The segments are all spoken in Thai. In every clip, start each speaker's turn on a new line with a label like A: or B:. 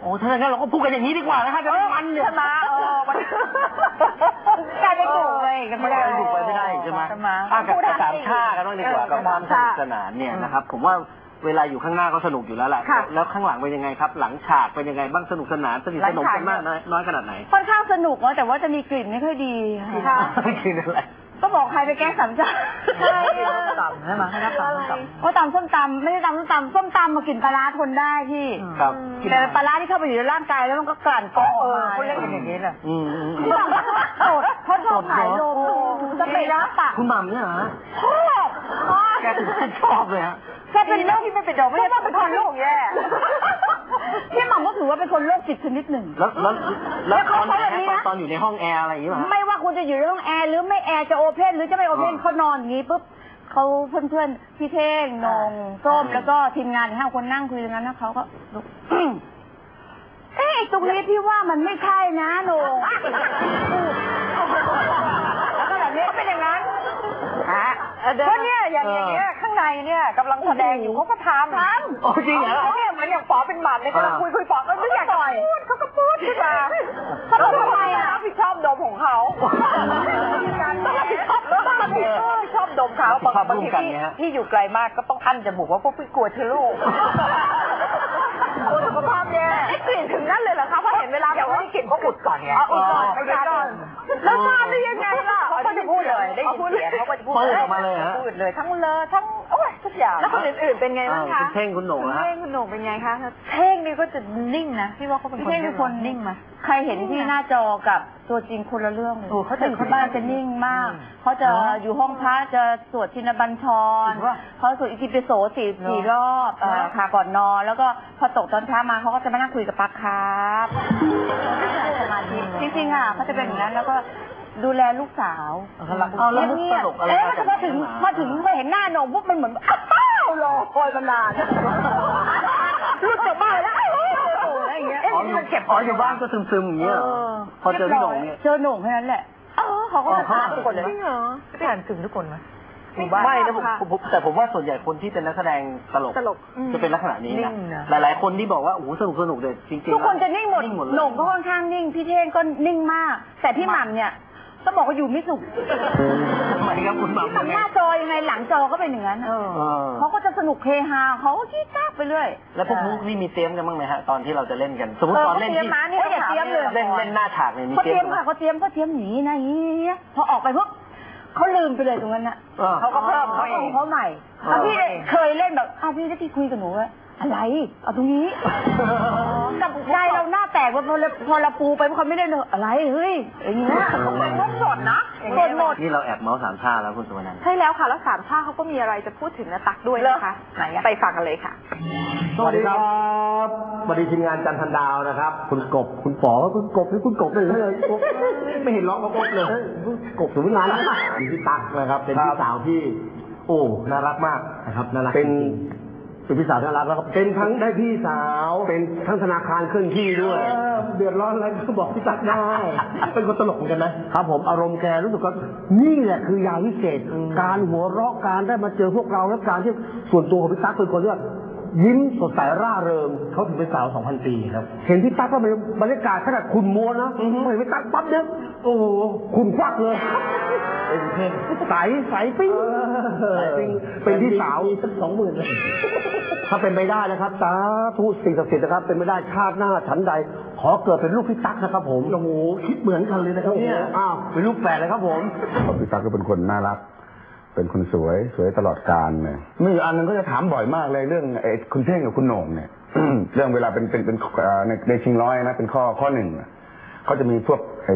A: โอ้ถ้าอย่างนั้นเราก็พูดกันอย่างนี้ดีกว่านะฮะจะมันเนี่ย
B: มามันกลายเป็นถูกเลยกันไม่ได้
A: ถูกไปไม่ได้ใช่ไหมกับสามชากันบ้างดีกว่ากับความสนุกสนานเนี่ยนะครับผมว่าเวลาอยู่ข้างหน้าก็สนุกอยู่แล้วแหละแล้วข้างหลังเป็นยังไงครับหลังฉากเป็นยังไงบ้างสนุกสนานสนิทสนมกันมากน้อยขนาดไหน
C: ค่อนข้างสนุกนะแต่ว่าจะมีกลิ่นไม่ค่อยดีค่ะ
A: กลิ่นอะไร
C: ก็บอกใครไปแกล้งสามชา
B: ใช่ตำใช่ไหมให้รับตำ
C: เพราะตำส้มตำไม่ใช่ตำส้มตำมากลิ่นปลาร้าทนได้พี่แต่ปลาร้าที่เข้าไปอยู่ในร่างกายแล้วมันก็กลั่นก๊อกออกมา
B: เขาเล่นกันอย่างนี้แหละ
C: เขาชอบขายโลจะไปรับปาก
A: คุณหม่ำเนี่ยเหรอ
C: ชอบ
A: แกถึงชอบเลยฮะ
C: แกเป็นโรคที่ไม่เป็นดอกไม่ใช่เป็นคนโรคแย่พี่หม่ำก็ถือว่าเป็นคนโรคจิตชนิดหนึ่ง
A: แล้วตอนอยู่ในห้องแอร์อะไรอย่างนี้ป่ะ
C: ไม่ว่าคุณจะอยู่ในห้องแอร์หรือไม่แอร์จะโอเพนหรือจะไม่โอเพนเขานอนอย่างนี้ปุ๊บเขาเพื่อนพี่เท่งนงส้มแล้วก็ทีมงาน5 คนนั่งคุยกันนั้นนะเขาก็ตรงนี้พี่ว่ามันไม่ใช่นะนงแล้วก็แบบนี้เป็นอย่างนั้น
B: ก็เนี่ยอย่างเงี้ยข้างในเนี่ยกำลังแสดงอยู่เขาก็ทำ
A: โอ้จริงเหรอ
B: เนี่ยเหมือนอย่างป๋อเป็นหมันเลยกำลังคุยป๋อก็ไม่อยากพูดเขาก็พูดขึ้นมาเขาทำไมรับผิดชอบดมของเขาต้องรับผิดชอบชอบดมเขาบางทีที่อยู่ไกลมากก็ต้องอั้นจมูกว่าพวกพี่กลัวเชื้อโรคสุขภาพแย่กลิ่นถึงนั่นเลยเหรอคะเพราะเห็นเวลาแบบว่ากลิ่นก็อุดก่อนไงอุดก่อนไม่ได้แล้วทราบได้ยังไงล่ะเขาก็จะพูดเลยได้ยินเสียงเขาก็จะพูดเลยพูดเลยทั้งทั้งโอ้ยทุกอย่างแล้วคนอื่นๆเป็นไงบ้างคะ
A: คุณเท่งคุณโหน่งนะ
B: เท่งคุณโหน่งเป็นไงคะเท่งนี่ก็จะนิ่งนะพี่ว่าเขาเป็นคนนิ่งมา
C: ใครเห็นที่หน้าจอกับตัวจริงคนละเรื่องเลยเขาจะอยู่ที่บ้านจะนิ่งมากเขาจะอยู่ห้องพระจะสวดชินบัญชรเขาสวดอิติปิโส4 รอบค่ะก่อนนอนแล้วก็พอตกตอนเช้ามาเขาก็จะมานั่งคุยกับปักครับจริงๆอ่ะเขาจะเป็นอย่างนั้นแล้วก็ดูแลลูกสาว
A: แล้วมุกตลกอะไร
C: พอถึงเห็นหน้าโหน่งปุ๊บมันเหมือนอ้าวรอคอยมานานรู้จักบ้านแล้วอะไรอย่างเงี้ย
A: มันเก็บอยู่บ้านก็ซึมๆอย่างเงี้ยพอเจอพี่โหน่งเนี่ย
C: เจอโหน่งแค่นั้นแหละเขาก็จะถามทุกคนเลย
B: ไม่อ่านถึงทุกคนไหม
A: ไม่นะแต่ผมว่าส่วนใหญ่คนที่เป็นนักแสดงตลกจะเป็นลักษณะนี้นะหลายๆคนที่บอกว่าโอ้โหสนุกเลยจริงๆ
C: ทุกคนจะนิ่งหมดโหน่งก็ค่อนข้างนิ่งพี่เท่งก็นิ่งมากแต่พี่หม่ำเนี่ยต้องบอกว่าอยู่ไม่สุข
A: ทำไมครับคุณหม่ำ
C: หน้าจอยังไงหลังจอก็เป็นอย่างนั้นเขาก็จะสนุกเฮฮาเขาก็ขี้จ้าไปเรื่อย
A: แล้วพวกมุกนี่มีเตรียมกันบ้างไหมฮะตอนที่เราจะเล่นกันสมมติตอนเล่นที่
C: อย่าเตรียมเลย
A: เล่นหน้าฉากเนี่ยมี
C: เตรียมค่ะเขาเตรียมหนีนะพอออกไปปุ๊บเขาลืมไปเลยตรงนั้นน่ะ
B: เขาก็เพิ่ม
C: เขาใหม่พี่เคยเล่นแบบพี่ได้ที่คุยกับหนูว่าอะไรเอาตรงนี้กับใจเราหน้าแตกว่าพอเราปูไปเพราะเขาไม่ได้เลยอะไรเฮ้ยอย่างเงี้ย
B: ต้องสดนะ
C: สดหมด
A: นี่เราแอบเมาส์สามชาแล้วคุณสุวรรณ
B: ใช่แล้วค่ะแล้วสามชาเขาก็มีอะไรจะพูดถึงนะตักด้วยนะคะไปฟังกันเลยค่ะ
D: สวัสดีครับสวัสดีทีมงานจันทันดาวนะครับคุณกบคุณป๋อคุณกบนี่คุณกบเลยไม่เห็นร้องกบเลยกบสุวรรณมีพี่ตั๊กนะครับเป็นพี่สาวที่โอ้น่ารักมากนะครับน่ารักเป็นพี่สาวน่ารักแล้วก็เป็นทั้งได้พี่สาวเป็นทั้งธนาคารเคลื่อนที่ด้วยเดือดร้อนอะไรก็บอกพี่ตั๊กได้เป็นคนตลกเหมือนกันนะครับผมอารมณ์แกรู้สึกว่านี่แหละคือยาวิเศษการหัวเราะการได้มาเจอพวกเราและการที่ส่วนตัวของพี่ตั๊กเป็นคนที่ยิ้มสดใสร่าเริงเขาถึงเป็นสาว 2,000 ปีครับเห็นพี่ตั๊กก็เป็นบรรยากาศขนาดคุณมัวนะเห็นพี่ตั๊กปั๊บเนี่ยโอ้โหคุณควักเลยใสปิ้งเป็นพี่สาวสัก 20,000เลยถ้าเป็นไม่ได้นะครับสาธุสิ่งศักดิ์สิทธิ์นะครับเป็นไม่ได้ชาติหน้าฉันใดขอเกิดเป็นลูกพี่ตั๊กนะครับผมโอ้โหคิดเหมือนกันเลยนะครับเนี่ยเป็นลูกแฝดเลยครับผม
E: พี่ตั๊กก็เป็นคนน่ารักเป็นคนสวยตลอดกาลเลยมีอยู่อันนึงก็จะถามบ่อยมากเลยเรื่องคุณเท่งกับคุณโหน่งเนี่ย เรื่องเวลาเป็นในชิงร้อยนะเป็นข้อหนึ่งเขาจะมีพวก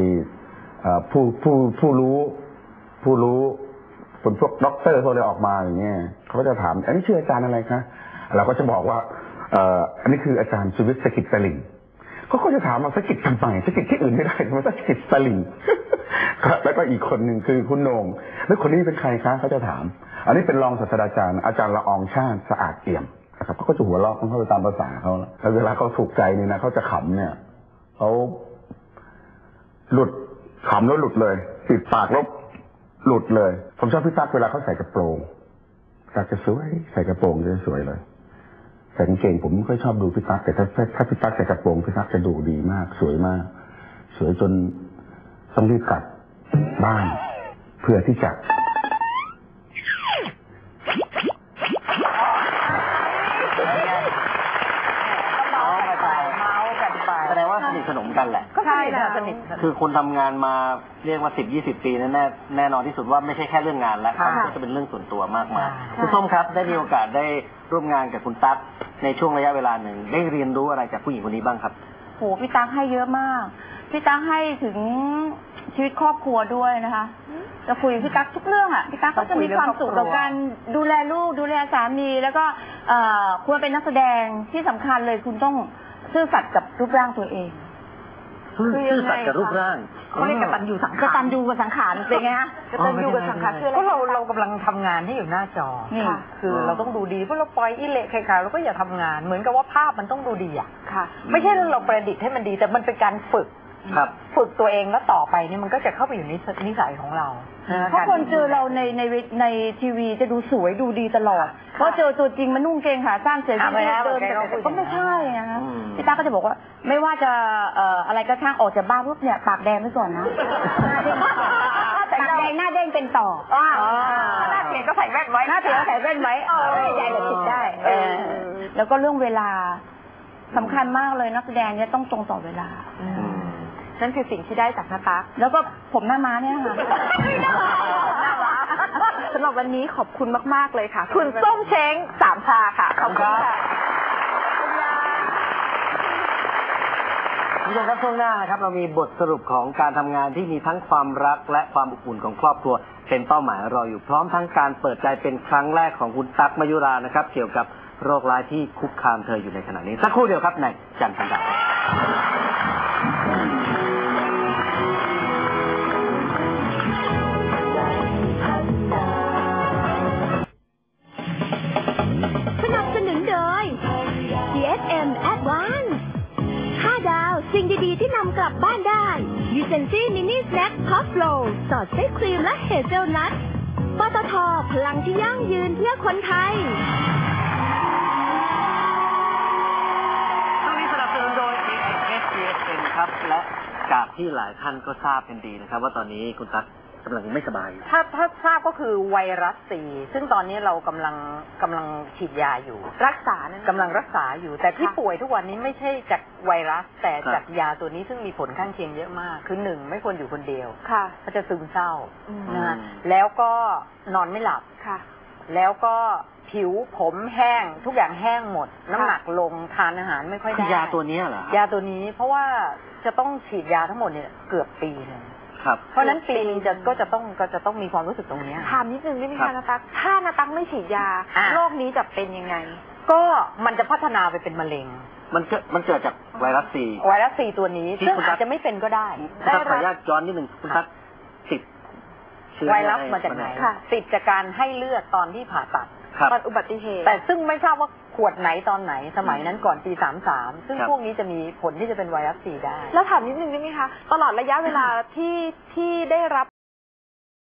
E: ผู้รู้คนพวกด็อกเตอร์พวกอะไรออกมาอย่างเงี้ยเขาก็จะถามอันนี้ชื่ออาจารย์อะไรคะเราก็จะบอกว่าอันนี้คืออาจารย์สุวิทย์สกิจสลิงเขาก็จะถามมาสกิจทำไมสกิจที่อื่นไม่ได้ทำไมสกิจสลิงแล้วก็อีกคนหนึ่งคือคุณโหน่งแล้วคนนี้เป็นใครคะเขาจะถามอันนี้เป็นรองศาสตราจารย์อาจารย์ละอองชาติสะอาดเอี่ยมนะครับเขาก็จะหัวเราะของเขาไปตามภาษาเขาแล้วเวลาเขาถูกใจนี่นะเขาจะขำเนี่ยเขาหลุดขำแล้วหลุดเลยปิดปากแล้วหลุดเลยผมชอบพี่ตั๊กเวลาเขาใส่กระโปรงตั๊กจะสวยใส่กระโปรงจะสวยเลยแต่กางเกงผมไม่ค่อยชอบดูพี่ตั๊กแต่ถ้าพี่ตั๊กใส่กระโปรงพี่ตั๊กจะดูดีมากสวยมาก สวยจนต้องรีบกลับบ้านเพื่อที่จะ
A: แสดงว่าสนิทสนมกันแหละ
B: ก็ใช่นะสนิท
A: คือคนทำงานมาเรียกว่า10-20 ปีแน่นอนที่สุดว่าไม่ใช่แค่เรื่องงานแล้วมันก็จะเป็นเรื่องส่วนตัวมากมายคุณส้มครับได้มีโอกาสได้ร่วมงานกับคุณตั๊กในช่วงระยะเวลาหนึ่งได้เรียนรู้อะไรจากผู้หญิงคนนี้บ้างครับ
C: โหพี่ตั๊กให้เยอะมากพี่ตั๊กให้ถึงชีวิตครอบครัวด้วยนะคะจะคุยกับพี่ตั๊กทุกเรื่องอ่ะพี่ตั๊กก็จะมีความสุขกับการดูแลลูกดูแลสามีแล้วก็ควรเป็นนักแสดงที่สำคัญเลยคุณต้องซื่อสัตย์กับรูปร่างตัวเอง
A: ซื่อสัตย์กับรูปร่าง
B: เขาเรียกกตัญญูสังขาร
C: กตัญญูกับสังขารเป็นไงฮะ
B: กตัญญูกับสังขารคืออะไรก็เรากำลังทำงานที่อยู่หน้าจอ
C: นี่
B: คือเราต้องดูดีเพราะเราปล่อยอิเละใครๆเราก็อย่าทำงานเหมือนกับว่าภาพมันต้องดูดีอ่ะไม่ใช่เราประดิษฐ์ให้มันดีแต่มันเป็นการฝึก
A: ครับ
B: ฝึกตัวเองแล้วต่อไปนี่มันก็จะเข้าไปอยู่ในนิสัยของเรา
C: เพราะคนเจอเราในทีวีจะดูสวยดูดีตลอดเพราะเจอตัวจริงมันนุ่งเกงขาสั้นเสียชีวิตเดินก็ไม่ใช่นะคะพี่ตาก็จะบอกว่าไม่ว่าจะอะไรก็ช่างออกจากบ้านปุ๊บเนี่ยปากแดงไว้ก่อนนะปากแดงหน้าเด้งเป็นต่อ
B: หน้าเสียก็ใส่แว่นไว้
C: หน้าเสียใส่แว่นไว้ใหญ่แบบคิดได้แล้วก็เรื่องเวลาสำคัญมากเลยนักแสดงเนี่ยต้องตรงต่อเวลา
B: นั่นคือสิ่งที่ได้จากนาตั๊ก
C: แล้วก็ผมหน้าม้าเนี่ยค่ะ
B: สำหรับวันนี้ขอบคุณมากๆเลยค่ะคุณส้มเช้ง3 ชาค่ะขอบคุณค่ะ
A: คุณผู้ชมครับช่วงหน้านะครับเรามีบทสรุปของการทำงานที่มีทั้งความรักและความอบอุ่นของครอบครัวเป็นเป้าหมายรออยู่พร้อมทั้งการเปิดใจเป็นครั้งแรกของคุณตั๊กมยุรานะครับเกี่ยวกับโรคร้ายที่คุกคามเธออยู่ในขณะนี้สักครู่เดียวครับในจันทร์พันดาว
F: สนับสนุนโดย GSM Advance 5 ดาวสิ่งดีๆที่นำกลับบ้านได้ดิเซนซี่มินิสแน็คท็อปโฟลสอดไส้ครีมและเฮเซลนัทปตท.พลังที่ยั่งยืนเพื่อคนไทย
A: ช่วงนี้สนับสนุนโดย GSM ครับและจากที่หลายท่านก็ทราบกันดีนะครับว่าตอนนี้คุณตั๊กกำลังไม่สบาย
B: ถ้าทราบก็คือไวรัสซีซึ่งตอนนี้เรากำลังฉีดยาอยู่รักษากำลังรักษาอยู่แต่ที่ป่วยทุกวันนี้ไม่ใช่จากไวรัสแต่จากยาตัวนี้ซึ่งมีผลข้างเคียงเยอะมากคือ1ไม่ควรอยู่คนเดียวเขาจะซึมเศร้านะแล้วก็นอนไม่หลับแล้วก็ผิวผมแห้งทุกอย่างแห้งหมดน้ำหนักลงทานอาหารไม่ค่อยได้
A: ยาตัวนี้เหรอย
B: าตัวนี้เพราะว่าจะต้องฉีดยาทั้งหมดเนี่ยเกือบปีนึงเพราะนั้นปีนึงก็จะต้องมีความรู้สึกตรงนี้
G: ถามนิดนึงได้ไหมคะนาตั๊กถ้านาตั๊กไม่ฉีดยาโรคนี้จะเป็นยังไง
B: ก็มันจะพัฒนาไปเป็นมะเร็ง
A: มันเกิดจากไวรัส
B: ซีตัวนี้ซึ่งอาจจะไม่เป็นก็ได้
A: ขออนุญาตย้อนนิดนึงคุณตั๊กติด
B: ไวรัสมาจากไหนติดจากการให้เลือดตอนที่ผ่าตัด
G: ตอนอุบัติเหตุ
B: แต่ซึ่งไม่ทราบว่าขวดไหนตอนไหนสมัยนั้นก่อนปี33ซึ่งพวกนี้จะมีผลที่จะเป็นไวรัสซีได้
G: แล้วถามนิดนึงได้ไหมคะตลอดระยะเวลาที่ได้รับ